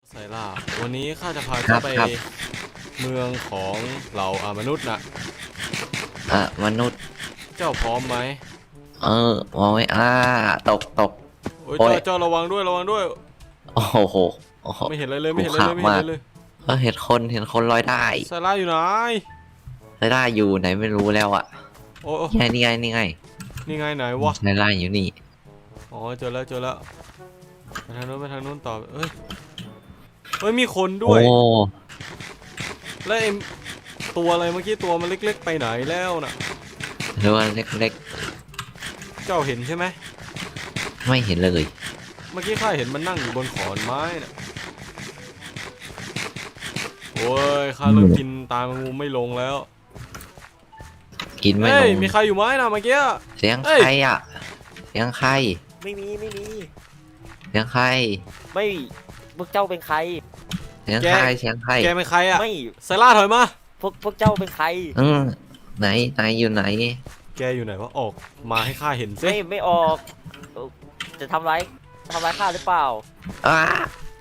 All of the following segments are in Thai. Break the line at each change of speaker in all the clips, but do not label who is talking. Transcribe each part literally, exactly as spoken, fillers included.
ไซล่าวันนี้ข้าจะพา
ครั
เจ้า
บ
ไป
ครับ
เมืองของเหล่าอามนุษย์นะ
อ่ะมนุษย์
เจ้าพร้อมไหม
เออมองไม่อ่าตกตก
โอ้ย
โอ้ย
เจ้าเจ้าระวังด้วยระวังด้วย
โอ้โหโอ้โห
ไม่เห็นอะไรเลยไม่เห็นอะไรเลย
ขู่
ไม่
ขาม
เห็น
มาก
อะไรเลย
เออเห็นคนเห็นคนลอยได้
ไซล่าอยู่ไหน
ลอยได้อยู่ไหนไม่รู้แล้วอ่ะ
โอ้โอ้
นี่ไงนี่ไงนี่ไง
นี่ไงไหนวะ
ลอยได้อยู่นี่
อ๋อเจอแล้วเจอแล้วไปทางนู้นไปทางนู้นต่อเอ้ยเฮ้ยมีคนด้
โอ้
วย แล้วไอ้ตัวอะไรเมื่อกี้ตัวมันเล็กๆไปไหนแล้วน่ะ
หรือว่าเล็ก
เจ้าเห็นใช่ไหม
ๆไม่เห็นเลย
เมื่อกี้ข้าเห็นมันนั่งอยู่บนขอนไม้น่ะโอ้ยข้าเริ่มกินตามงูไม่ลงแล้ว
กินไม่
เฮ้
ล
ย
ง
มีใครอยู่ไหมนะเมื่อกี้
เสียง
เอ้ย
ใครอ่ะเสียงใคร
ไม่มีไม่มี
เสียงใคร
ไม่พวกเจ้าเป็นใคร
เสียงใครเสียงใคร
แกเป็นใครอะ
ไม่
ไซล่าถอยมา
พวกพวกเจ้าเป็นใคร
อืมไหนไหนอยู่ไหน
แกอยู่ไหนวะออกมาให้ข้าเห็นสิ
ไม่ไม่ออกเอ่อจะทำร้ายทำร้ายข้าหรือเปล่า
อ้า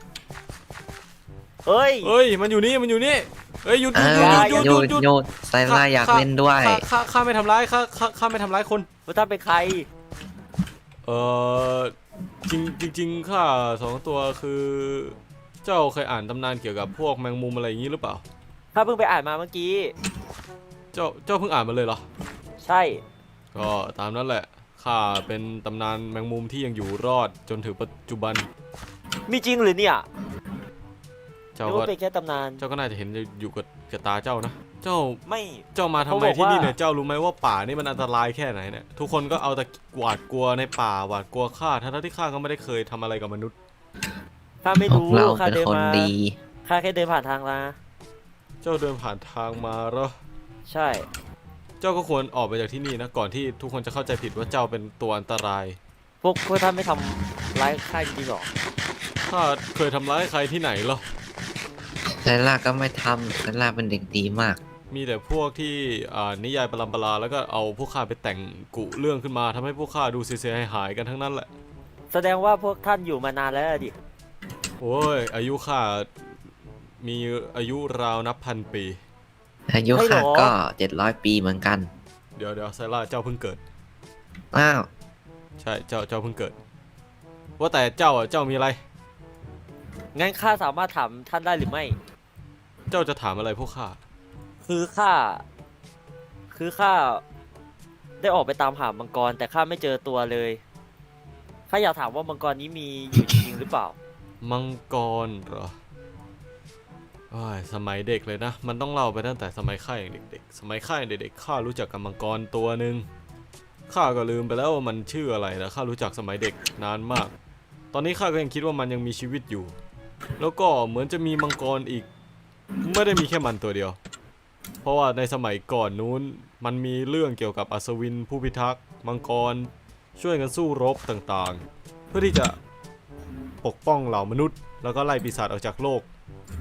เฮ้ย
เฮ้ยมันอยู่นี่มันอยู่นี่เฮ้ยหยุดห
อ้า
ยุด
ว
หยุดหยุดหยุดหยุด
โยนไซล่าอยากเล่นด้วย
ข้าข้าข้าไม่ทำร้ายข้าข้าข้าไม่ทำร้ายคน
พวกท่านเป็นใคร
เออจริงจริงจริงข้าสองตัวคือ เจ้าเคยอ่านตำนานเกี่ยวกับพวกแมงมุมอะไรอย่างนี้หรือเปล่า
ข้าเพิ่งไปอ่านมาเมื่อกี้
เจ้าเจ้าเพิ่งอ่านมาเลยเหรอ
ใช่
ก็ตามนั้นแหละข้าเป็นตำนานแมงมุมที่ยังอยู่รอดจนถึงปัจจุบัน
มีจริงหรือเนี่ย
เจ้า
หรือ
ก็
ว่าเป็นแค่ตำนาน
เจ้าก็น่าจะเห็นอยู่กับกับตาเจ้านะเจ้า
ไม่
เจ้ามาทำ
เขา
ไม
บอก
ที่นี่
ว่า
เนี่ยเจ้ารู้ไหมว่าป่านี่มันอันตรายแค่ไหนเนี่ยทุกคนก็เอาแต่หวาดกลัวในป่าหวาดกลัวข้าทั้งๆที่ข้าก็ไม่ได้เคยทำอะไรกับมนุษย์
ข้าไม่
พว
รู้
กเรา
ข้า
เป็น
เดิน
คน
มา
ดี
ข้าแค่เดินผ่านทางมา
เจ้าเดินผ่านทางมาเหรอ
ใช่
เจ้าก็ควรออกไปจากที่นี่นะก่อนที่ทุกคนจะเข้าใจผิดว่าเจ้าเป็นตัวอันตราย
พวกพวกท่านไม่ทำร้ายข้าจริงๆหรอ
ข้าเคยทำร้ายใครที่ไหนเหรอ
ไซล่าก็ไม่ทำไซล่าเป็นเด็กดีมาก
มีแต่พวกที่อ่านนิยายปรัมปราแล้วก็เอาพวกข้าไปแต่งกุเรื่องขึ้นมาทำให้พวกข้าดูเสียหายๆกันทั้งนั้นแหละ
แสดงว่าพวกท่านอยู่มานานแล้วดิ
โอ้ยอายุข้ามีอายุราวนับพันปี
อายุข้าก็เจ็ดร้อยปีเหมือนกัน
เดี๋ยวเดี๋ยวไซร่าเจ้าเพิ่งเกิด
อ้าว
ใช่เจ้าเจ้าเพิ่งเกิด ว่าแต่เจ้าอ่ะเจ้ามีอะไร
งั้นข้าสามารถถามท่านได้หรือไม่
เจ้าจะถามอะไรพวกข้า
คือข้า คือข้าได้ออกไปตามหามังกร แต่ข้าไม่เจอตัวเลย ข้าอยากถามว่ามังกรนี้มีอยู่จริงหรือเปล่า
มังกรเหรอโอ้ยสมัยเด็กเลยนะ มันต้องเล่าไปตั้งแต่สมัยข้าอย่างเด็กๆ สมัยข้าอย่างเด็กๆข้ารู้จักกับมังกรตัวหนึ่งข้าก็ลืมไปแล้วว่ามันชื่ออะไรนะข้ารู้จักสมัยเด็กนานมาก ตอนนี้ข้าก็ยังคิดว่ามันยังมีชีวิตอยู่ แล้วก็เหมือนจะมีมังกรอีก ไม่ได้มีแค่มันตัวเดียว เพราะว่าในสมัยก่อนนู้นมันมีเรื่องเกี่ยวกับอัศวินผู้พิทักษ์มังกรช่วยกันสู้รบต่างๆ เพื่อที่จะปกป้องเหล่ามนุษย์ แล้วก็ไล่ปีศาจออกจากโลก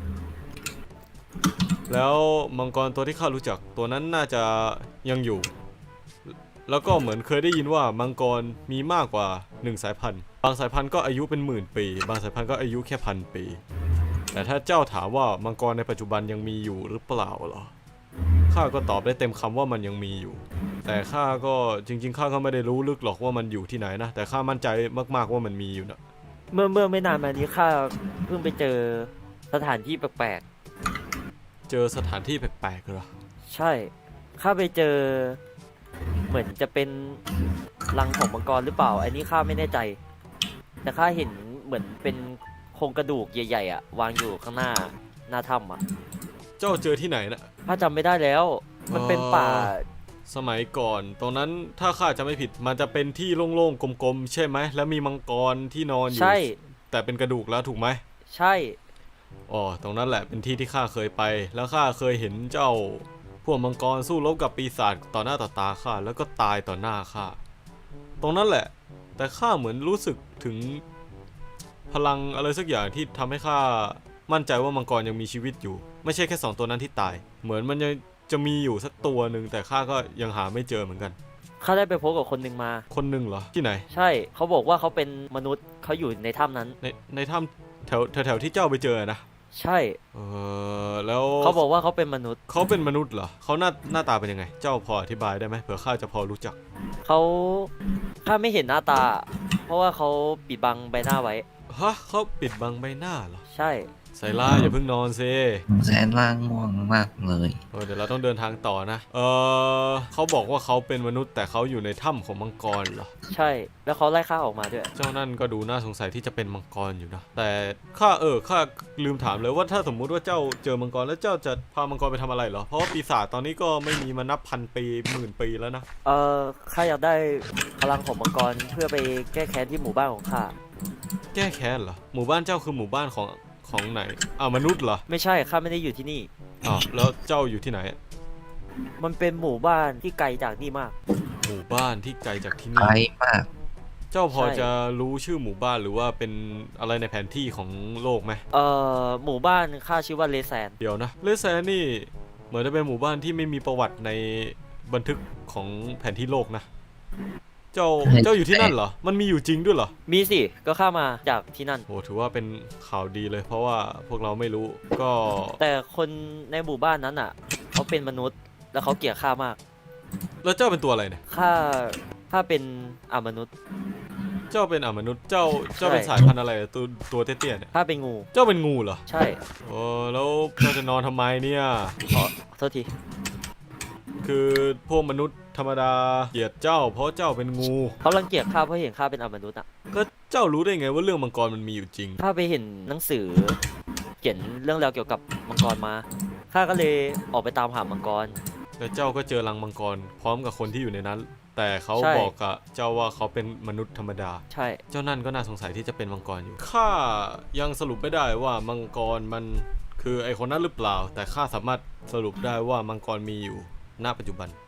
แล้วมังกรตัวที่ข้ารู้จักตัวนั้นน่าจะยังอยู่ แล้วก็เหมือนเคยได้ยินว่ามังกรมีมากกว่าหนึ่งสายพันธุ์บางสายพันธุ์ก็อายุเป็นหมื่นปี บางสายพันธุ์ก็อายุแค่พันปี แต่ถ้าเจ้าถามว่ามังกรในปัจจุบันยังมีอยู่หรือเปล่าเหรอข้าก็ตอบได้เต็มคำว่ามันยังมีอยู่ แต่ข้าก็จริงๆข้าก็ไม่ได้รู้ลึกหรอกว่ามันอยู่ที่ไหนนะแต่ข้ามั่นใจมากๆว่ามันมีอยู่นะ
เมื่อเมื่อไม่นานมานี้ข้าเพิ่งไปเจอสถานที่แปลก
เจอสถานที่แปลกๆเหรอ
ๆ ใช่ ข้าไปเจอ เหมือนจะเป็นรังของมังกรหรือเปล่า อันนี้ข้าไม่แน่ใจ แต่ข้าเห็นเหมือนเป็นโครงกระดูกใหญ่ๆอ่ะวางอยู่ข้างหน้าหน้าถ้ำอ่ะ
เจ้าเจอที่ไหนนะ
ข้าจำไม่ได้แล้ว มันเป็นป่า
สมัยก่อนตรงนั้นถ้าข้าจะไม่ผิดมันจะเป็นที่โล่งๆกลมๆใช่ไหมแล้วมีมังกรที่นอนอยู่
ใช่
แต่เป็นกระดูกแล้วถูกไหม
ใช่
อ๋อตรงนั้นแหละเป็นที่ที่ข้าเคยไป แล้วข้าเคยเห็นเจ้าพวกมังกรสู้รบกับปีศาจต่อหน้าต่อตาข้าแล้วก็ตายต่อหน้าข้าตรงนั้นแหละ แต่ข้าเหมือนรู้สึกถึงพลังอะไรสักอย่างที่ทำให้ข้ามั่นใจว่ามังกรยังมีชีวิตอยู่ ไม่ใช่แค่สองตัวนั้นที่ตาย เหมือนมันยังจะมีอยู่สักตัวหนึ่งแต่ข้าก็ยังหาไม่เจอเหมือนกัน
ข้าได้ไปพบกับคนหนึ่งมา
คนหนึ่งเหรอที่ไหน
ใช่ เขาบอกว่าเขาเป็นมนุษย์เขาอยู่ในถ้ำนั้น
ในในถ้ำแถวแถวแถวที่เจ้าไปเจอนะ
ใช่
เออแล้ว
เขาบอกว่าเขาเป็นมนุษย์
เขาเป็นมนุษย์เหรอเขาหน้าหน้าตาเป็นยังไง เจ้าพออธิบายได้ไหมเผื่อข้าจะพอรู้จัก
เขาข้าไม่เห็นหน้าตา เพราะว่าเขาปิดบังใบหน้าไว้
ฮะเขาปิดบังใบหน้าเหรอ
ใช่
ไซล่าอย่าเพิ่งนอนซิ
แสนล่าง่วงมากเลย
เออเดี๋ยวเราต้องเดินทางต่อนะ เออเขาบอกว่าเขาเป็นมนุษย์แต่เขาอยู่ในถ้ำของมังกรเหรอ
ใช่ แล้วเขาไล่ข้าออกมาด้วย
เจ้านั่นก็ดูน่าสงสัยที่จะเป็นมังกรอยู่นะ แต่ข้าเออข้าลืมถามเลยว่าถ้าสมมุติว่าเจ้าเจอมังกรแล้วเจ้าจะพามังกรไปทำอะไรเหรอ เพราะว่าปีศาจตอนนี้ก็ไม่มีมานับพันปีหมื่นปีแล้วนะ
เออข้าอยากได้พลังของมังกรเพื่อไปแก้แค้นที่หมู่บ้านของข้า
แก้แค้นเหรอ หมู่บ้านเจ้าคือหมู่บ้านของของไหนอ่าวมนุษย์เหรอ
ไม่ใช่ข้าไม่ได้อยู่ที่นี่
อ๋อแล้วเจ้าอยู่ที่ไหน
มันเป็นหมู่บ้านที่ไกลจากนี่มาก
หมู่บ้านที่ไกลจากที่
ไกล
นี่
มาก
เจ้าพอ
ใช่
จะรู้ชื่อหมู่บ้านหรือว่าเป็นอะไรในแผนที่ของโลกไหม
เอ่อหมู่บ้านข้าชื่อว่าเลแซน
เดี๋ยวนะเลสแซนนี่เหมือนจะเป็นหมู่บ้านที่ไม่มีประวัติในบันทึกของแผนที่โลกนะ เจ้าเจ้าอยู่ที่นั่นเหรอ มันมีอยู่จริงด้วยเหรอ
มีสิ ก็ข้ามาจากที่นั่น
โอ้ถือว่าเป็นข่าวดีเลย เพราะว่าพวกเราไม่รู้ก็
แต่คนในหมู่บ้านนั้นอ่ะ เขาเป็นมนุษย์ แล้วเขาเกลียดข้ามาก
แล้วเจ้าเป็นตัวอะไรเนี่ย
ข้าข้าเป็นอมนุษย์
เจ้าเป็นอมนุษย์เจ้าเจ้าเป็น
ใช่
สายพันธุ์อะไรตัวตัวเตี้ยๆเนี่ย
ข้าเป็นงู
เจ้าเป็นงูเหรอ
ใช่
โอ้แล้วเจ้าจะนอนทำไมเนี่ย
ขอโทษที
คือพวกมนุษย์ธรรมดาเกลียดเจ้า เพราะเจ้าเป็นงู
เขารังเกียจข้าเพราะเห็นข้าเป็นอมนุษย์อ่ะ
ก็เจ้ารู้ได้ไงว่าเรื่องมังกรมันมีอยู่จริง
ข้าไปเห็นหนังสือ เขียนเรื่องราวเกี่ยวกับมังกรมา ข้าก็เลยออกไปตามหามังกร
แล้วเจ้าก็เจอรังมังกรพร้อมกับคนที่อยู่ในนั้น แต่เขา
ใช่
บอกกับเจ้าว่าเขาเป็นมนุษย์ธรรมดา
ใช่
เจ้านั่นก็น่าสงสัยที่จะเป็นมังกรอยู่ ข้ายังสรุปไม่ได้ว่ามังกรมันคือไอคนนั้นหรือเปล่า แต่ข้าสามารถสรุปได้ว่ามังกรมีอยู่ณปัจจุบัน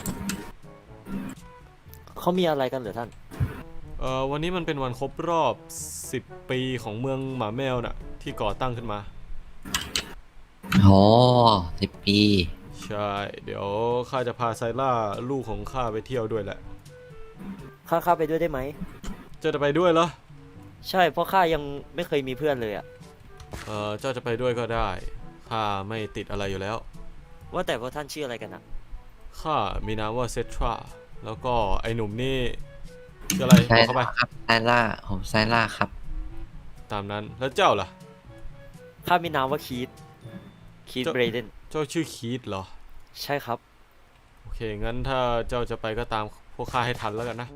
เขามีอะไรกันเหรอท่าน
เอ่อวันนี้มันเป็นวันครบรอบสิบปีของเมืองหมาแมวน่ะที่ก่อตั้งขึ้นมา
โอ้สิบปี
ใช่ เดี๋ยวข้าจะพาไซล่าลูกของข้าไปเที่ยวด้วยแหละ
ข้าข้าไปด้วยได้ไหม
เจ้าจะไปด้วยเหรอ
ใช่ เพราะข้ายังไม่เคยมีเพื่อนเลยอะ
เออเจ้าจะไปด้วยก็ได้ ข้าไม่ติดอะไรอยู่แล้ว
ว่าแต่พวกท่านชื่ออะไรกันอะ
ข้ามีนามว่าเซทราแล้วก็ไอหนุ่มนี่ชื่ออะไร
ไซ
บอกเข้าไป
ล่าครับไซล่าผมไซล่าครับ
ตามนั้น แล้วเจ้าล่ะ
ข้ามีนามว่าคีตคีต
เจ้า
เบรเดน
เจ้าชื่อคีธเหรอ
ใช่ครับ
โอเค งั้นถ้าเจ้าจะไปก็ตามพวกข้าให้ทันแล้วกันนะ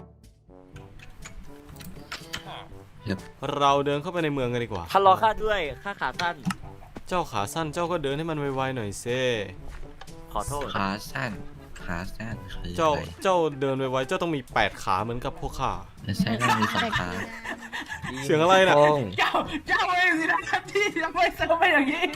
ครับ
เราเดินเข้าไปในเมืองกันดีกว่า
ท่านรอข้าด้วย ข้าขาสั้น
เจ้าขาสั้นเจ้าก็เดินให้มันไวๆหน่อยเซ่
ขอโทษ
ขาสั้น ขาสั้นคือ
เจ้า
อะไร
เจ้าเดินไวๆเจ้าต้องมีแปดขาเหมือนกับพวกข้า
แล้วไซล่ามีสองขา
เสียงอะไรน่ะ
โอ้ง
เจ้าเจ้าเองสินะครับที่ทำไมเซิร์ฟไปอย่างนี้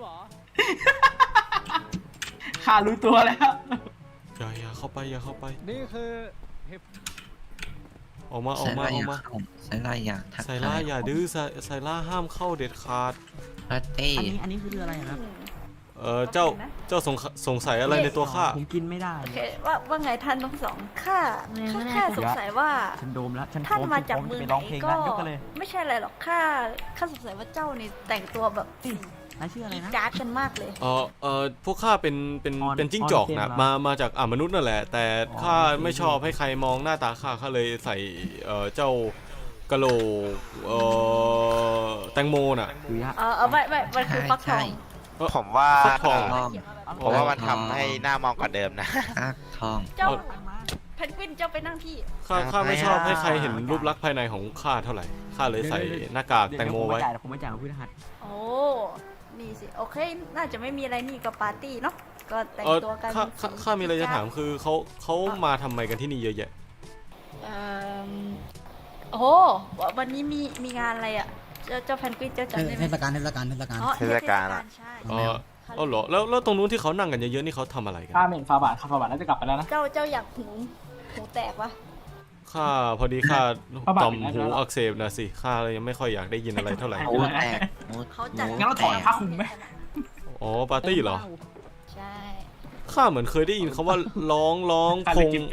ข้ารู้ตัวแล้ว
อย่าอย่าเข้าไปอย่าเข้าไป
นี่คือเห็บ
ออกมาอ
ไซ
อกมา
ล่า
อ
อ
อก
ยาก
มา
เข้าไซล่าอยากทัก
ไซล่า
ท
อย่าดื้อไซไซล่าห้ามเข้าเด็ดขาด
ปาร์ตี้
อันนี้อันนี้คืออะไรครับ
เออเจ้าเจ้าสงสงสัยอะไรในตัวข้า
ผมกินไม่ได้
โอเคว่าว่าไงท่านทั้งสองข้าข้าแค่สงสัยว่า
ฉันโดมแล้ว ฉัน
ท่าน
พร้อ
มาจาก
ฉันพร้
เมือง
จะไป
ไหน
ร้องเพลง
ก็
นั้นยกกันเลย
ไม่ใช่อะไรหรอกข้าข้าสงสัยว่าเจ้านี่แต่งตัวแบบ
นายชื่ออะไรนะ
การ์ดกันมากเลย
เออเออพวกข้าเป็นเป็น
ออน
เป็นจิ้งจอก
ออนเซน
นะ
เหรอ
มามาจากอ่ามนุษย์นั่นแหละ แต่
อ๋อ
ข้า
โอเค
ไม่ชอบให้ใครมองหน้าตาข้าข้าเลยใส่เออเจ้ากะโหลกเออแตงโมน่ะ
คือยะ
เออเออไม่ไม่มันคือฟักทอง
ผมว่า
ฟักทอง
ทอง
ผมว่ามันทำให้หน้ามองกว่าเดิมนะ
ฟักทอง
เจ้า
เอา
เพนกวินเจ้าไปนั่งที่
ข้าข้าไม่ชอบให้ใครเห็นรูปลักษณ์ภายในของข้าเท่าไหร่ข้าเลยใส่หน้ากากแตงโมไว้
เดี๋ยวผมไม่จ่ายผมไม่จ่ายพฤหัส
โอ้นี่สิโอเค น่าจะไม่มีอะไรนี่ก็ปาร์ตี้เนาะก็แต่ง
เออ
ตัวกัน
ข้าข้าข้ามีอะไรจะถามคือเขาเขามาทำไมกันที่นี่เยอะแยะ
เอิ่มโอ้โหวันนี้มีมีงานอะไรอ่ะเจ้าเจ้าเพนกวินเจ้าจำได้ไหม
เทศกาลเทศกาลเทศกาล
อ๋อ
เทศกาลอะ
ใช่
เอออ๋อเหรอแล้วแล้วตรงนู้นที่เขานั่งกันเยอะๆนี่เขาทำอะไรกัน
ข้าเหม็นฟาบาทข้าฟาบาทน่าจะกลับไปแล้วนะ
เจ้าเจ้าอยากหูหูแตกปะ
ข้าพอดีข้า
พระบาท
ต่อม
เป็นไง
หู
แล้ว
อักเสบนะสิข้าเลยยังไม่ค่อยอยากได้ยินอะไรเท่าไหร่
หูแตกหู
เขาจัด
งั้นเราถอดผ้าคลุมไหม
อ๋อปาร์ตี้เหรอ
ใช่
ข้าเหมือนเคยได้ยินเขาว่าร้องร้อง
ข้า
พ
เลย
ง
กินเป็ด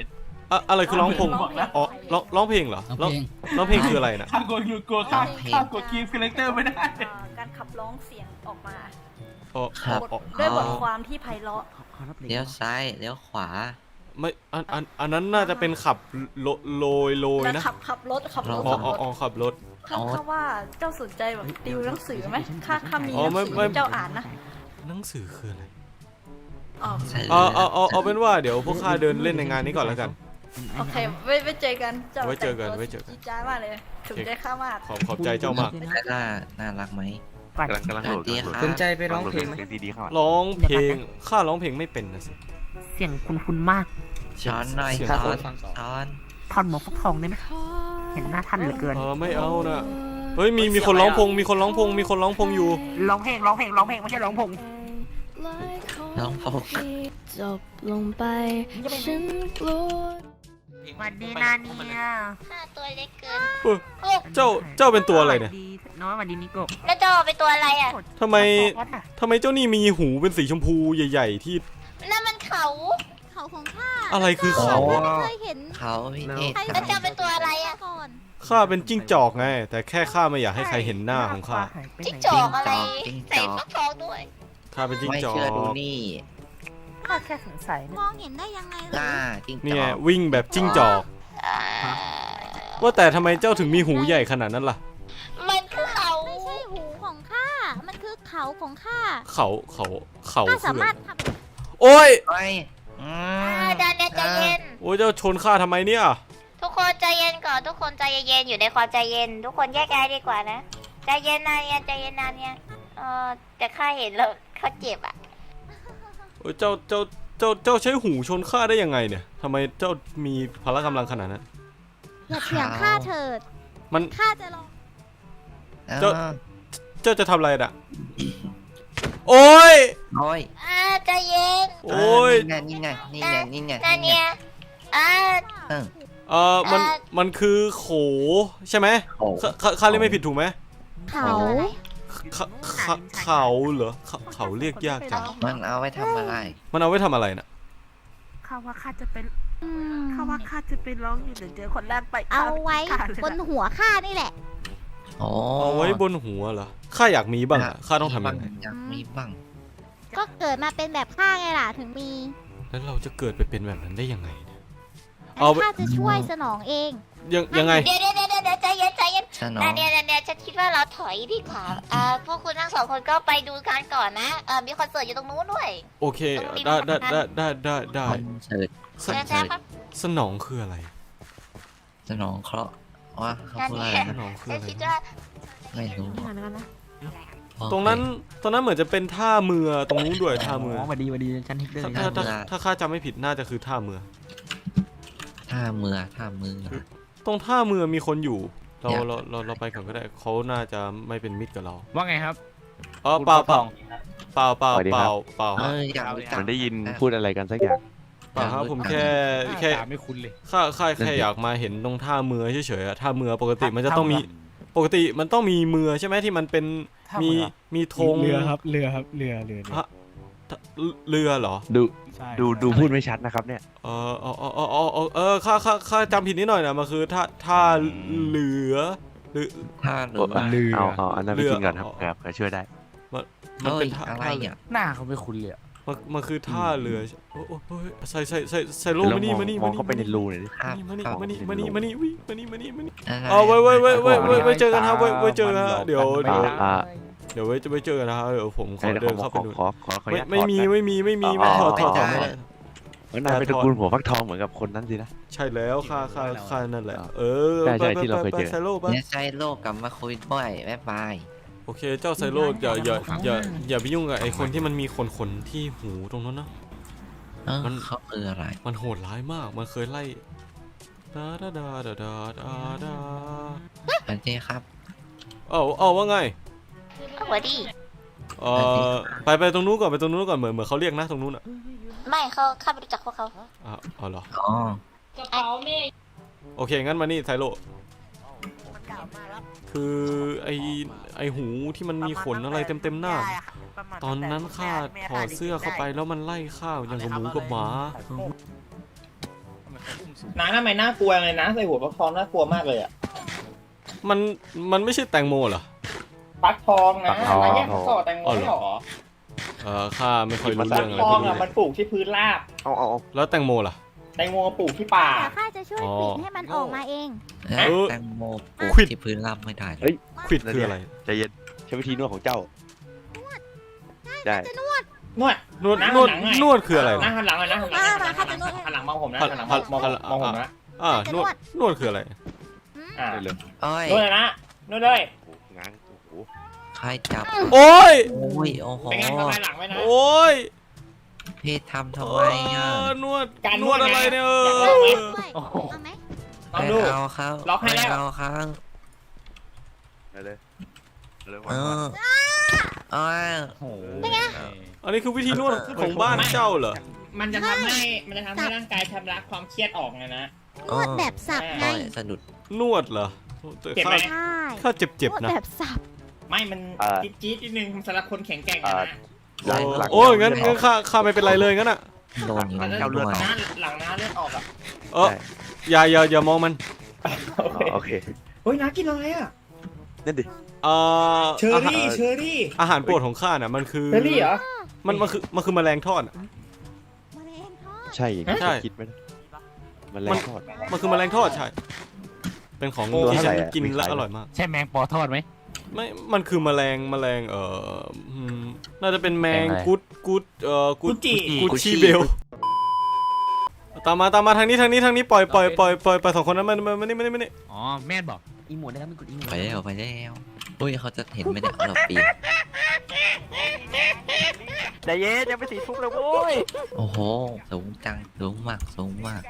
อะอะไรคือร้องพง
บอกแล้ว
อ๋อร้องร้องเพลงเหรอ
ร้อง
ร้อง
เพลง
ร้องเพลงคืออะไรนะ
ข้ากลัวอยู่กลัวข้าข้ากลัวคีฟคาแรคเตอร์ไม่ได้
เอ่อการขับร้องเสียงออกมา
อ๋อ
ครับ
บท
อ๋อ
ด้วยบทความที่ไพเราะ
เลี้ยวซ้ายเลี้ยวขวา
ไม่อันอันอันนั้นน่าจะเป็นขับโลโลยโลย
แล้ว
นะ
ขับขับรถขับรถ
อ๋อ
ขับ
อ๋
ร
อ
ถ
อ๋อขับรถ
ข้าข้าว่าเจ้าสนใจแบบติวหนังสือไหมข้าข้ามีห
อ๋อ
นัง
ไม่
สือ
ไม่
ให้เจ้าอ่านนะ
หนังสือคืออะไร
อ๋อ
ใช่
เอาเอาเอาเอาเป็นว่าเดี๋ยวพวกข้าเดินเล่นในงานนี้ก่อนแล้วกัน
โอเคไว้ไว้เจอกันเจ้า
ไว้เจอกัน
แต่งตัว
ไว้เจอกัน
จี๊ดจ้าดมากเลยถูกใจข้ามาก
ขอบขอบใจเจ้ามาก
ไซล่าน่ารักไหม
กำลังกำลังโหลด
ดี
กำลังโหลด
ครับ
สนใจไปร้องเพลงไหม
เสียงดีๆเข้ามา
ร้องเพลงข้าร้องเพลงไม่เป็นนะสิ
เสียงคุณคุณมาก
ช้อนหน่อย
เสียง
ช้อ
คน
นช้อน
ทอนหมวกฟักทองได้ไหมเห็นหน้าท่านเหลือเกิน
เออไม่เอานะเฮ้ยมีมีคนร้องพงมีคนร้องพงมีคนร้องพงอยู่
ร้องเพลงร้องเพลงร้องเพลงไม่ใช่ร้องพง
น้องพง
จบลงไปฉันกลัว
สวัสดีนาเนีย
ข้าตัวเล็กเกิน
เฮ้ยเจ้าเจ้าเป็นตัวอะไรเนี่ย
สวัสดีน้อยสวัสดีนิโกะ
แล้วเจ้าเป็นตัวอะไรอ่ะ
ทำไม
วัดอะ
ทำไมเจ้านี่มีหูเป็นสีชมพูใหญ่ ๆ ที่
นั่นมันเขา เขาของข้า
อะไรคือเขา
ไม่เคยเห็น
เขาพี่เทศ
แล้วเจ้าเป็นตัวอะไรอ่ะก่อน
ข้าเป็นจิ้งจอกไง แต่แค่ข้าไม่อยากให้ใครเห็นหน้าของข้า
หายไป
จิ้ง
ไหน
จอกอะไร
จิ้งจ
ใส่
อก
ฟักทองด้วย
ข้าเป็นจิ้ง
ไม่
จอ
เชื่อดู
ก
นี่
ข้าแค่สงสัยนะ
มองเห็นได้ยังไง
หน้าจิ้งจ
เนี่
อย ก
วิ่งแบบจิ้งจอก ว่าแต่ทำไมเจ้าถึงมีหูใหญ่ขนาดนั้นล่ะ
มันคือเขาไม่ใช่หูของข้า มันคือเขาของข้า
เขาเขาเขา
ข้า
คื
สา
อ
มารถท
โอ้ย
ไปอืม
ำดานเนี่ยใจเย็น
โอ้ยเจ้าชนข้าทำไมเนี่ย
ทุกคนใจเย็นก่อน ทุกคนใจเย็นๆอยู่ในความใจเย็น ทุกคนแยกย้ายดีกว่านะ ใจเย็นนะเนี่ยใจเย็นนะเนี่ยเออแต่ข้าเห็นแล้วเขาเจ็บอ่ะ
โอ้ยเจ้าเจ้าเจ้าเจ้าใช้หูชนข้าได้ยังไงเนี่ยทำไมเจ้ามีพละกำลังขนาดนั้น
อย่าเถียงข้าเถิด
มัน
ข้าจะลอง
เจ้า เจ้าจะทำอะไรน่ะ โอ้ย
โอ้ย
อ่าใจเย็น
โอ้ย
นี่ไงนี่ไงนี่ไง
นา
นี่ไง
เนี่ยอ่า
เออ
เออมัน
อ่า
มันคือโขใช่ไหม
โอ้
ข้าข้าข้าเรียกไม่ผิดถูกไหม
เขา
เขาเขาเขาเหรอเขาเขาเรียกยากจัง
มันเอาไว้ทำอะไร
มันเอาไว้ทำอะไรน่ะ
ข้าว่าข้าจะเป็นข้าว่าข้าจะไปร้องอยู่เดี๋ยวเจอคนแรกไป
เอาไว้
ข้าเลยะ
บนหัวข้านี่แหละ
โอ้
เอาไว้บนหัวเหรอ ข้าอยากมีบ้างอะข้าต้องทำยังไง
อยากมีบ้าง
ก็เกิดมาเป็นแบบข้าไงล่ะถึงมี
แล้วเราจะเกิดไปเป็นแบบนั้นได้ยังไงเนี่ย
งั้
เอา
น
ไป
ข้าจะช่วยสนองเอง
ยังยังไง
เดี๋ยวเดี๋ยวเดี๋ยวเดี๋ยวใจเย็นใจเย็น
สนอ
นาง เนี่ยนาเนี่ยฉันคิดว่าเราถอยดีกว่าอ่าพวกคุณทั้งสองคนก็ไปดูกันก่อนนะเออมีคอนเสิร์ตอยู่ตรงนู้นด้วย
โอเค ได้ได้ได้ได้ได้ได้
คอนเสิร์ต
ส
คอน
นะ
เสิร์ต
ครับ
สนองคืออะไร
สนองเคราะห์ว่าเขาพูดอะไร
ส
นะ
นองคือ
ฉัน
อะไร
คิดว่า
ไม่รู้
ตรงนั้นตรงนั้นเหมือนจะเป็นท่าเรือตรงนู้นด้วยท่าเรือ
สวัสดีสวัสดีฉันฮิกเดอร์
ถ้าถ้าถ้าถ้าข้าจำไม่ผิดน่าจะคือท่าเรือ
ท่าเมือท่ามือ
ตรงท่าเรือมีคนอยู่ เรา
อยาก
เราเราเราไปก่อนก็ได้เขาน่าจะไม่เป็นมิตรกับเรา
ว่าไงครับ
เออเปล่าเปล่าเปล่าเปล่าเปล่าเปล่า
เอ
ฮะ
ออยากรู้จัก
มันได้ยินพูดอะไรกันสักอย่าง
เปล่าครับผมแค่แค่
ตาไม่คุ้นเลย
ข้าข้าแค่อยากมาเห็นตรงท่าเรือเฉยๆอะท่าเรือปกติมันจะต้องมีปกติมันต้องมีเรือใช่ไหมที่มันเป็นมีมีธง
เรือครับ เรือครับ เรือ เรือ
ฮะเรือเหรอ
ดู
ใช่
ดูดูพูดไม่ชัดนะครับเนี่ย
เออเออเออเออเออเออเออข้าข้าข้าจำผิดนิดหน่อยนะมันคือท่าท่าเรือหรือ
ท่าเรือ
เอาเอาอันนั้นไป
เรือ
กินก่อนครับ
เอา
ครับเผื่อช่วยได้
มัน
เฮ้
เป็
ย
นท่า
อะไร
ท่า
เนี่ย
หน้าเขาไม่คุ้นเลยอะ
มันมันคือท่าเรือโอ้โอ้โอ้ยใส่ใส่ใส่ใส่โล
แล้
มาว นี่
มอง
มานี่
ม
มา
อง
นี่
เข้าไปในรูหน่อยดิ
ครับ
มานี่
เข้า
มานี่มานี่มานี่วิ่งมานี่มานี่มานี่
อะไร
เอาไว้ไว้ไว้ไว้ไว้ไว้ไว้เจอกันครับไว้ไว้เจอกันฮะเดี๋ยว
ไม่
เดี๋ยว
ได้
อ่า
เดี๋ยวไว้จะไปเจอกันนะครับเดี๋ยวผมขอ
ไอ้
เดิ
ขอน ขอ
เข้า
ข
ไป
อ
ดู
ขอขอขออนุ
ไม่
ญาต
ไม่มี
ถอดนะ
ไม่มีไม่มีไม่ถอดถอดถอดไม่ได้
เออนายเป็นตระกูลหัวฟักทองเหมือนกับคนนั้นสินะ
ใช่แล้วค่าค่าค่านั่นแหละเออ
ใช่ใช่
ไป
ที่เราเคย
ไป
เจอ
ไปไซโลปะ
เนี่ยใช่โลกกลับมาคุยด้วยบ๊ายบาย
โอเคเจ้าไซโลอย่าอย่าอย่าอย่าไปยุ่งกับไอ้คนที่มันมีขนขนที่หูตรงนั้นนะ
เออ
มัน
เขาคืออะไร
มันโหดร้ายมากมันเคยไล่ดาดาดาดาดาดาดา
สวัสดีครับ
เอ้าเอ้าว่าไง
เอาหัวดี
เออไปไปตรงนู้นก่อนไปตรงนู้นก่อนเหมือนเหมือนเขาเรียกนะตรงนู้นอ่ะ
ไม่เขาข้าไม่รู้จักพวกเขา
อ่ะเอาเหรอ
อ๋อ
โอเคงั้นมานี่ไซโลคือไอไอหูที่มันมีขนอะไรเต็มเต็มๆหน้า ตอนนั้นข้าถอดเสื้อเข้าไปแล้วมันไล่ข้าอย่างกับหมูกับหมา
น้าทำไมน่ากลัวเลยนะใส่หัวฟักทองน่ากลัวมากเลยอ่ะ
มันมันไม่ใช่แตงโมเหรอ
ฟักทองนะ
ฟักทอง
น้าแยกฟักทองแตงโมไม่หรอ
เออข้าไม่ค่อยรู้
ฟั
เรื่อง
ก
อะไร
ท
พ
อ
ว
ง
กนี้
อ่ะ
เล
มัน
ย
ปลูกที่พื้นราบ
เอาเอาเอา
แล้วแตงโมล่ะ
แตงโมปลูกที่ป่า
เดี๋ยวข้าจะช่วย
อ๋อ
ปิดให้มันออกมาเอง
เอ้ย
เออ
แตงโมปลูก
ควิด
ที่พื้นราบไม่ได้เล
เฮ้
ย
ย
ควิดคืออะไร
ใจเย็นใช้วิธีนวดของเจ้าได้
นวด
นวด
นั่ง
นวด
หลังไง
นวดคืออะไร
นั่
วะ
งหันหลังเลยนะหันหลัง
มา
หันหลั
มาง ข้าจะนวดให้
หันหลังมองผมนะ
หัน
หันหลัง
หัน
มอง
หัน
มองผมนะ
อ่านวดนวดคืออะไร
อ่า
ได้เลย
โอ้ย
นวดเลยนะนวดเลย
โอ้โหง้างโอ้โห
ใครจับ
โอ้ย
โอ้ย โอ้โห
เป็นไงทำลายหลังไว้นะ
โอ้ย
พี่ทำทำ
เอ
ไมอ่ะ
อนวด
การ
น
น
ว
ว
ด
ด
อะไร
นะ
เนี่ยเอ
อยากล
อ
องไหม
ด้วยเอาไหม
ลอง
ไม่
ดู
เอาครับ
ล็อกให้
ไม่
แล้ว
เอาครับ
ได้เลยได้เลย
เออโอ้ย
อันนี้คือวิธีนวดของบ้านเจ้าเหรอ
มันจะทำให้มันจะทำให้ร่างกายชำระความเครียดออกไงนะ
นวดแบบสับไง
โอ้ยสะดุด
นวดเหรอแต่
เจ็บ
ข้า
ไหม
ใช่
ข้าเจ็บ
น
เจ็บ
วด
ๆนะ
แบบสับ
ไม่มันจี๊ดจี๊ดนิดนึงสำหรับคนแข็งแกร่งนะ
หลังหลัง
โอ้ยงั้นงั้นข้าข้าไม่เป็นไรเลยงั้นอ่ะ
โดนอยู่
มัน
ด้
เลือด
วย
หน้าหลังหน้าเลือดออกอ่ะ
เอออย่าอย่าอย่ามองมัน
โอเค
โอเค
เฮ้ยน้ากินอะไรอ่ะ
นั่นดิ
เอ่อ
เชอ
อาหาร
รี่เชอรี่
อาหารโปรดของข้าน่ะมันคือ
เชอรี่เหรอ
มันมันคือมันคือแมลงทอดอะ
มะเร็งทอด
ใช่อย่างที่
ใช่
คิดไหมนะมันแร
มัน
งทอด
มันคือแมลงทอดใช่ เป็นของ
ตัว
ที่
เท่า
ฉั
ไหร่
น
อะ
กิน
มี
แล้ว
ขาย
อ
ไหม
ร่อยมาก
ใช่แมงปอทอดไหม
ไม่ มันคือแมลงแมลงเอ่ออืมน่าจะเป็นแมง
แมงอะไร
กุดกุดเอ่อกุ
กุ
ด
จิ
กุดชีเบล ตามมาตามมาทางนี้ทางนี้ทางนี้ปล่อยปล่อยปล่อยปล่อยปล่อยสองคนนั้นมันมันมันนี่มันนี่มันนี่
อ๋อ แม่นบอก อีหมดได้ครับไม่กดอีหมด
ไปแล้วไปแล้วอุ้ยเขาจะเห็นไหมเนี่ยเราปีน
ใจเย็นยังไปสีทุบเลยโว้ย
โอ้โห สูงจัง สูงมาก สูงมาก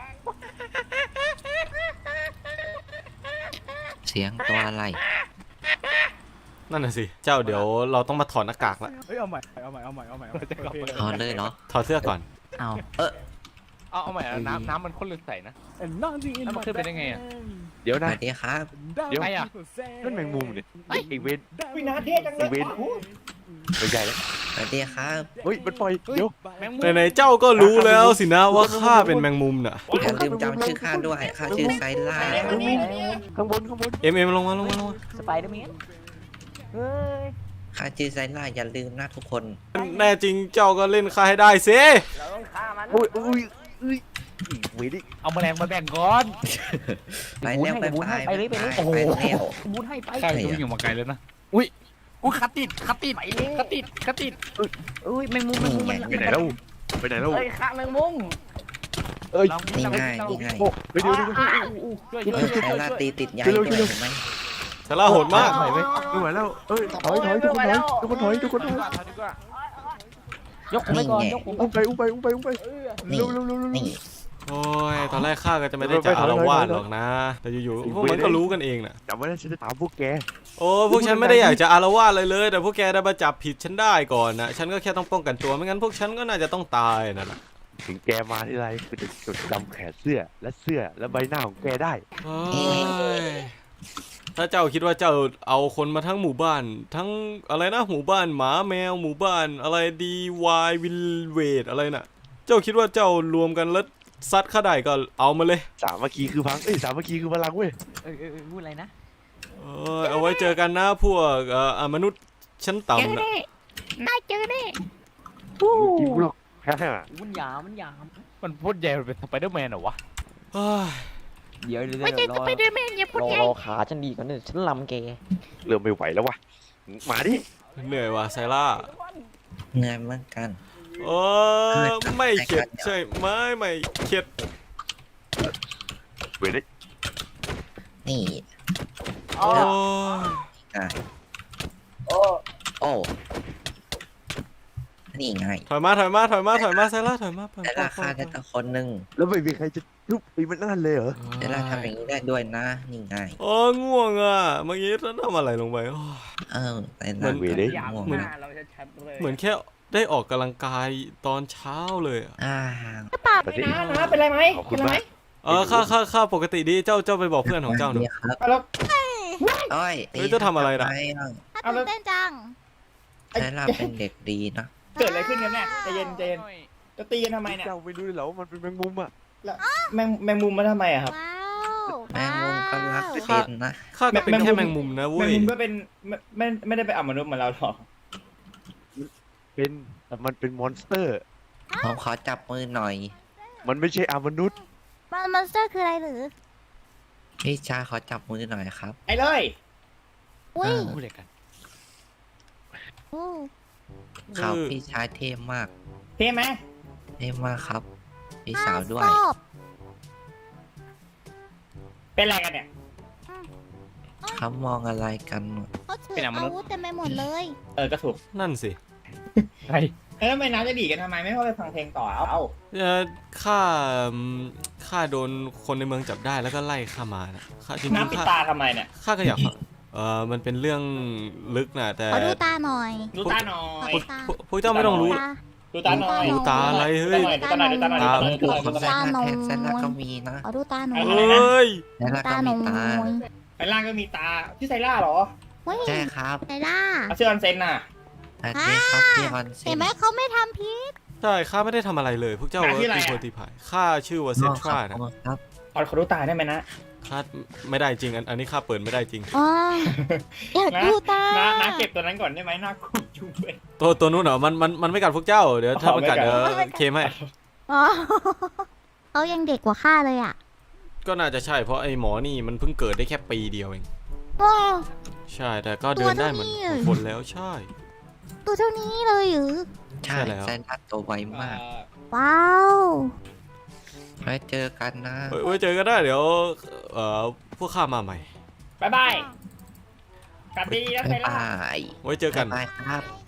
เสียงตัวอะไร
นั่นน่ะสิ เจ้าเดี๋ยวเราต้องมาถอดหน้ากากละ
เฮ้ย เอาใหม่ เอาใหม่ เอาใหม่ เอาใหม่
ถอดเลยเนาะ
ถอดเสื้อก่อน
เอา เออ
เอาเอาใหม่อะน้ำน้ำมันข้นเลือดใสนะแล้วมันขึ้นไปได้ไงอ่ะ
เดี๋ยว
ส
นะ
วัสดีครับ
เดี๋ยว
ใครอะ
นั่นแมงมุมเนี่ยอีเวนต์
วินาเทศจังเลย
เว้น ไม่ใช่แล้ว
สวัสดีครับ
เฮ้ยมันปล่อยเดี๋ยว
แมงมุม
ไหนๆเจ้าก็รู้แล้วสินะว่าข้าเป็นแมงมุมน่ะ
อย่าลืมจำชื่อข้าด้วย ข้าชื่อไซล่า
ข้างบนข้างบน
เอ็มเอ็มลงมาลงมาลงมา
สไปเดอร์แมนเฮ้ย
ข้าชื่อไซล่า อย่าลืมนะทุกคน
แน่จริงเจ้าก็เล่นข้าให้ได้สิ
เราต้องฆ่ามัน
โอ้ยโอ้ยเอ้ยอีเวนต์
เอาแมลงมาแบ่งก่อน
ไปแล้วไป
บูน
ไป
ให้ไปเลยไปเลย
ไปแล้ว
บูนให้ไป
ใช่จะวิ่งอยู่มาไกลแล้วนะ อุ้ย อุ้ยคัดติดคัดติดคัดติดคัดติด
อุ้ยแมงมุมแมงมุมมัน
ไปไหนแล้วไปไหนแล้ว
เฮ้ยฆ่าแมงมุม
เอ้ย
นี่ง่ายนี่ง่าย
โอ้เดี๋ยวเดี๋ยวเดี๋ยว
ช่วย
เอ
ช่วย
อไซล่าตีติดใหญ่
เร็ว
ด้วย
เร็ว
เห็นไหม
ชาล่าโหดมาก
ไม่ไหวไม่ไหวแล้วเอ้ยถอยถอยทุกคนถอยทุกคนถอยทุกคนถอย
ยกผมไปก่อนยกผม
อุ้มไปอุ้มไปอุ้มไปอุ้มไป
นี่
เร็วเร็วเร็วเร็ว
นี่
โอ้ย ตอนแรกข้าก็จะไม่ได้จะอารวาสหรอกนะ แต่อยู่ๆพวกมันก็รู้กันเองน่ะ
จำไว้นะฉันจะตามพวกแก
โอ้พวกฉันไม่ได้อยากจะอารวาสเลยเลย แต่พวกแกได้มาจับผิดฉันได้ก่อนนะฉันก็แค่ต้องป้องกันตัวไม่งั้นพวกฉันก็น่าจะต้องตายนั่นแหละ
ถึงแกมาที่ไรคือจะจดจำแขนเสื้อและเสื้อและใบหน้าของแกได้
โอ้ยถ้าเจ้าคิดว่าเจ้าเอาคนมาทั้งหมู่บ้าน ทั้งอะไรนะหมู่บ้านหมาแมวหมู่บ้านอะไรดีวายวิลเวดอะไรน่ะ เจ้าคิดว่าเจ้ารวมกันแล้วซัดข้าได้ก็เอามาเลย
สามัคคีคือพังเอ้ยสามัคคีคือพลังเว้ย
เออเออพูดอะไรนะ
เอ้ยเอาไว้เจอกันนะพวกเอ่ออ่ะมนุษย์ชั้นต่ำนะ
น่าเจอแน่
กินกูหรอกฮ่าฮ่า
มันหยามมันหยาม
มันพูดใหญ่มันเป็นสไปเดอร์แมนเหรอวะ
เฮ้ย
เดี๋ยวเดี๋ยว
ไม่ใช่
ร
ส
อ
ไปเดอร์แมนอย่าพูด
รอ
ใหญ่
รอขาฉันดีก่อนเนี่ยฉันลำแก
เริ่มไม่ไหวแล้ววะมาดิ
เหนื่อยว่ะไซล่า
เหนื่อยเหมือนกัน
เออไม่เข็ดใช่ไหมไม่เข็ด
เว้ยดิ
นี่
โอ้ย
ง่ายโอ้นี่ไง
ถอยมาถอยมาถอยมาถอยมาไซล่าถอยมาปล่อย
แต่
ปล่อ
ราย คาได้แต่คนหนึ่ง
แล้วไม่มีใครจะลุกไปมันนั่นเลยเหรอ
แต่ราทำอย่างนี้ได้ด้วยนะ นี่ไง
โอ้ยง่วงอ่ะเมื่อกี้ฉันทำอะไรลงไปโอ้ย
เออแต่
เหมื
ละ
อน
เว้ยดิ
ง่วง
เหมือน
นะ
เราจะแชมป์เลย
เหมือนแค่ได้ออกกำลังกายตอนเช้าเลยอะ
อ่า
ปฏิ
นะนะเป็นไรไหม
ขอบคุ
เป็
ณ
นไรไหม
มาก
เออข้าข้าข้าปกติดีเจ้าเจ้าไปบอกเพื่อนของเจ้าหน่อย
นี่ครับ
แล้ว
โอ้ย
เฮ้ยจะทำอะไรน่ะ
ทำม
ถ้าตื่นเต้นจัง
แต่ละเป็นเด็กดีนะ
เกิดอะไรขึ้นกันเนี่ยใจเย็นใจเย็นจะตีกันทำไมเนี่ย
เจ้าไม่รู้เลยเหรอว่ามันเป็นแมงมุมอ่ะ
รแมงแมงมุมมาทำไมอะครับ
ว้าว
แมงมุมก็รัก
ว้าว
เป็นนะ
ข้าก็เป็น
แมงมุม
แค่แมงมุมนะ
แม
เว้
ง
ย
มุมก็เป็นไม่ไม่ไม่ได้ไปอ่ำมนุษย์เหมือนเราหรอก
เป็นแต่มันเป็นมอนสเตอร์
ผมขอจับมือหน่อย
มันไม่ใช่อามนุษย์
มันมอนสเตอร์คืออะไรหรือ
พี่ชายขอจับมือหน่อยครับ
ไอ้เลย
อุ้ย
อ่า
พูดเลยกัน
อู้
ครับ
คือ
พี่ชายเท่มาก
เท่ไหม
เท่มากครับ พี่สาวด้วย
ชอบ
เป็นอะไรกันเนี่ย
เขามองอะไรกัน
เขาถือ
เป็นมนุษย์
อาวุธเต็มไปหมดเลย
เออก็ถูก
นั่นสิ
ใช่
เออไม่น้าจะดีกันทำไมไม่เข้าไปฟังเพลงต่อเอาเอา
เอ่อข้าอืมข้าโดนคนในเมืองจับได้แล้วก็ไล่ข้ามานะข้าจริง
น้ำ
ๆ
ปิด
ข้า
ตาทำไมเนี่ย
ข้าก็อยากฟังเออมันเป็นเรื่องลึกนะแต่
ขอดูตาหน่อย
ดูตาหน่อย
พวกพวกพวกเจ้าไม่ต้องรู้
ตา
ดูตาหน่อย
ดูตาอะไรเฮ้ย
ดูตาหน่อยดูตาหน่อยดูตาหน่อยดูตาหน่อยดูตาหน่อยดูตาหน่อย
แซนล่าแทนแซนล่าก็มีนะ
ขอดูตาหน่อย
เอ
เฮ้ย
แซนล่า
ตา
ก็
หน่
มี
อย
ตา
ไอ้ล่างก็มีตาที่ไซล่าเหรอ
เฮ้ย
ใช่ครับ
ไซล่า
เอาเชื่อออนเซนน่ะ
อาเจครับพี่ออนเซ
เห็น
น
ไหมเขาไม่ทำพิษ
ใช่ข้าไม่ได้ทำอะไรเลย พวกเจ้า
หาที่
ว่า
อะไร
ตี
อะ
โพตีพายข้าชื่อว่าเซนทรานะ
ครับ
เอาขอดูตาได้ไหมนะ
ข้าไม่ได้จริงอันอันนี้ข้าเปิดไม่ได้จริง
อ๋ออยากดูตา
น้าน้าเก็บตัวนั้นก่อนได้ไหมน่ากลัวจุ๊บเลย
ตัวตัวนู้นเหรอมันมันมันไม่กัดพวกเจ้าเดี๋ยวถ้า
อ๋อ
มันกัด
ไม่กัด
เดี๋ยวเคมให้
อ๋อเขายังเด็กกว่าข้าเลยอ่ะ
ก็น่าจะใช่เพราะไอ้หมอนี่มันเพิ่งเกิดได้แค่ปีเดียวเอง
ว้าว
ใช่แต่ก็เดินได้เหมือน
ตัวเท่านี้
คนแล้วใช่
ตัวเท่านี้เลยหรือ
ใช่
ใช่แล้ว
แซนล่าตัวไวมาก
ว้าว
ไว้เจอกันนะ
เฮ้ยไว้เจอกันได้เดี๋ยวเอ่อพวกข้ามาใหม่
บ๊ายบายกลับดีๆนะไซ
บ๊าย
ล่า
บาย
ไว้เจอกัน
บ๊ายบายครับ